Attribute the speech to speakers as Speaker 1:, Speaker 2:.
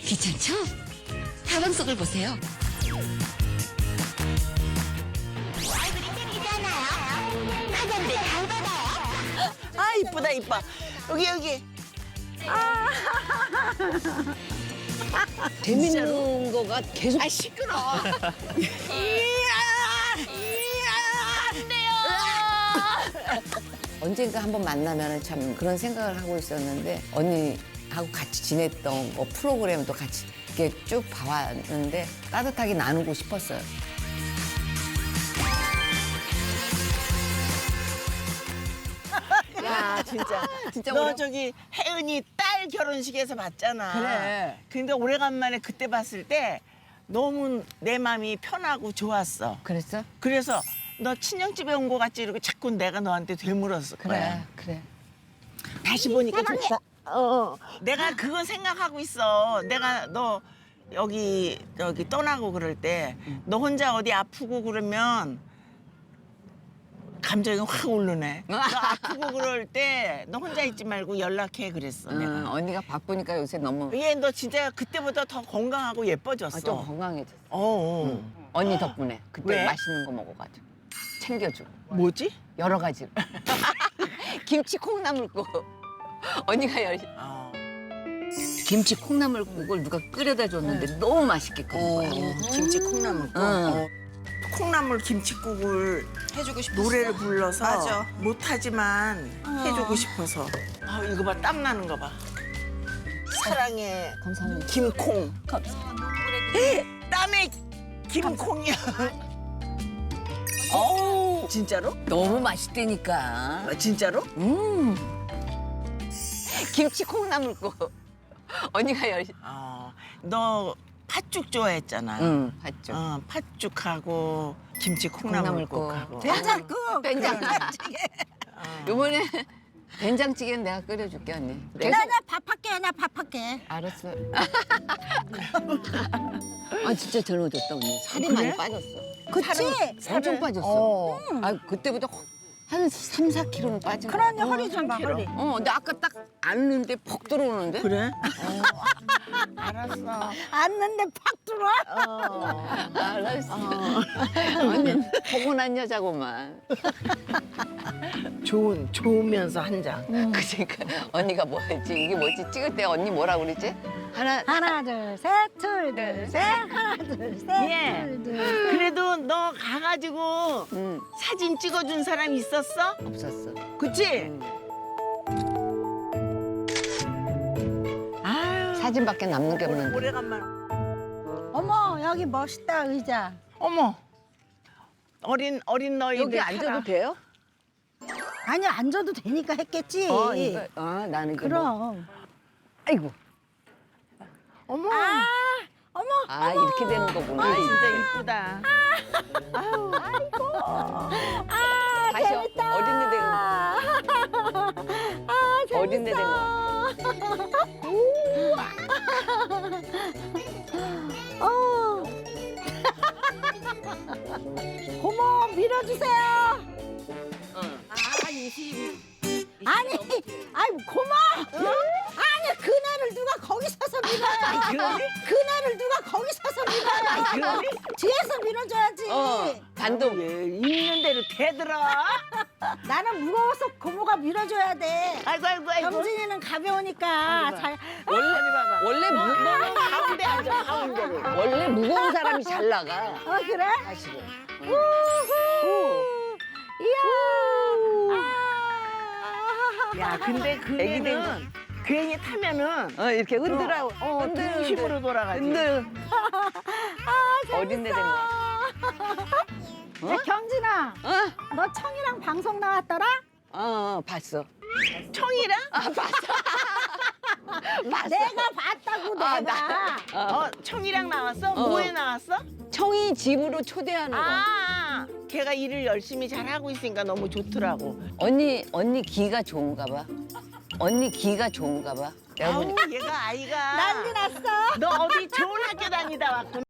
Speaker 1: 귀찮죠? 가방 속을 보세요.
Speaker 2: 아, 이쁘다, 이뻐. 여기.
Speaker 3: 재밌는 거가 계속
Speaker 2: 아, 시끄러.
Speaker 3: 언젠가 한번 만나면 참 그런 생각을 하고 있었는데 언니하고 같이 지냈던 뭐 프로그램도 같이 이렇게 쭉 봐왔는데 따뜻하게 나누고 싶었어요.
Speaker 2: 야, 진짜 너 저기 혜은이 딸 결혼식에서 봤잖아.
Speaker 3: 그래.
Speaker 2: 근데 오래간만에 그때 봤을 때 너무 내 마음이 편하고 좋았어.
Speaker 3: 그랬어?
Speaker 2: 그래서 너 친정집에 온 거 같지 이러고 자꾸 내가 너한테 되물었을 거야.
Speaker 3: 그래.
Speaker 2: 다시 보니까 좋다. 내가 그건 생각하고 있어. 내가 너 여기 떠나고 그럴 때 너 혼자 어디 아프고 그러면 감정이 확 오르네. 너 아프고 그럴 때 너 혼자 있지 말고 연락해 그랬어. 내가.
Speaker 3: 언니가 바쁘니까 요새 너무
Speaker 2: 얘 너 진짜 그때보다 더 건강하고 예뻐졌어.
Speaker 3: 좀 건강해졌어.
Speaker 2: 언니
Speaker 3: 언니 덕분에 그때
Speaker 2: 왜?
Speaker 3: 맛있는 거 먹어가지고 챙겨주고
Speaker 2: 뭐지?
Speaker 3: 여러 가지로 김치 콩나물국 언니가 김치 콩나물국을 누가 끓여다 줬는데 너무 맛있게 끓인 거야.
Speaker 2: 김치 콩나물국.
Speaker 3: 응.
Speaker 2: 콩나물 김치국을
Speaker 1: 해주고 싶었어.
Speaker 2: 노래를 불러서
Speaker 1: 맞아.
Speaker 2: 못하지만 해주고 싶어서. 아, 이거 봐, 땀 나는 거 봐. 사랑해
Speaker 3: 감사합니다.
Speaker 2: 김콩. 땀에 김콩이야.
Speaker 3: 어우,
Speaker 2: 진짜로?
Speaker 3: 너무 맛있다니까.
Speaker 2: 아, 진짜로?
Speaker 3: 김치 콩나물국 언니가
Speaker 2: 너 팥죽 좋아했잖아.
Speaker 3: 응, 봤죠.
Speaker 2: 팥죽하고 김치 콩나물국하고.
Speaker 3: 된장국. 된장찌개. 이번에 된장찌개는 내가 끓여줄게 언니. 계속
Speaker 4: 나 밥할게, 나 밥할게.
Speaker 3: 알았어. 아 진짜 젊어졌다 언니. 살이
Speaker 2: 그래?
Speaker 3: 많이 빠졌어.
Speaker 4: 그치?
Speaker 3: 엄청 빠졌어. 아 그때보다 한 3, 4kg는 빠진 거야.
Speaker 4: 그러니 허리 좀 봐, 허리.
Speaker 3: 근데 아까 딱 앉는데 퍽 들어오는데?
Speaker 2: 그래? 알았어.
Speaker 4: 앉는데 팍 들어와?
Speaker 3: 알았어. 언니 포근한 여자구만.
Speaker 2: 좋으면서 한 장.
Speaker 3: 그러니까 언니가 뭐 했지? 이게 뭐지? 찍을 때 언니 뭐라 그러지?
Speaker 4: 하나, 둘, 셋, 둘, 셋. 하나, 둘, 셋,
Speaker 2: 예.
Speaker 4: 둘, 셋.
Speaker 2: 그래도 너 가가지고
Speaker 3: 응,
Speaker 2: 사진 찍어준 사람 있었어?
Speaker 3: 없었어.
Speaker 2: 그치? 아유.
Speaker 3: 사진밖에 남는 게 없는데.
Speaker 2: 오래간만.
Speaker 4: 어머, 여기 멋있다, 의자.
Speaker 2: 어머. 어린 너희들
Speaker 3: 여기 앉아도
Speaker 2: 타라.
Speaker 3: 돼요?
Speaker 4: 아니, 앉아도 되니까 했겠지.
Speaker 3: 이거, 나는 이게 뭐.
Speaker 4: 그럼.
Speaker 3: 아이고.
Speaker 2: 어머.
Speaker 4: 어머,
Speaker 3: 이렇게 되는 거구나.
Speaker 2: 진짜 이쁘다.
Speaker 3: 다시
Speaker 4: 재밌다.
Speaker 3: 어린애 된 거. 어린애 된 거.
Speaker 4: 어. 고모, 밀어주세요. 아니, 고모. 아니, 그네를 누가 거기 서서 밀어요. 그네를 누가 거기 서서 밀어요. 뒤에서 밀어줘야지.
Speaker 3: 단독.
Speaker 2: 왜 있는 대로 대들어?
Speaker 4: 나는 무거워서 고모가 밀어줘야 돼.
Speaker 2: 아이고.
Speaker 4: 경진이는 가벼우니까 잘.
Speaker 3: 원래
Speaker 2: 가운데 앉아, 가운데로.
Speaker 3: 원래 무거운 사람이 잘 나가.
Speaker 4: 그래?
Speaker 3: 사실은.
Speaker 4: 이야.
Speaker 2: 야, 근데 그
Speaker 3: 애기들.
Speaker 2: 애는 괜히 타면은
Speaker 3: 이렇게 흔들어.
Speaker 2: 중심으로 돌아가지.
Speaker 3: 흔들. 어린애 된 거.
Speaker 4: 야, 경진아, 너 청이랑 방송 나왔더라?
Speaker 3: 봤어.
Speaker 2: 청이랑?
Speaker 3: 봤어.
Speaker 4: 내가 봤다고 내가.
Speaker 2: 청이랑 나왔어? 뭐에 나왔어?
Speaker 3: 청이 집으로 초대하는 거.
Speaker 2: 걔가 일을 열심히 잘 하고 있으니까 너무 좋더라고.
Speaker 3: 언니 기가 좋은가 봐. 언니 기가 좋은가 봐. 내가
Speaker 2: 아우,
Speaker 3: 보니까
Speaker 2: 얘가 아이가
Speaker 4: 난리 났어.
Speaker 2: 너 어디 좋은 학교 다니다 왔구나.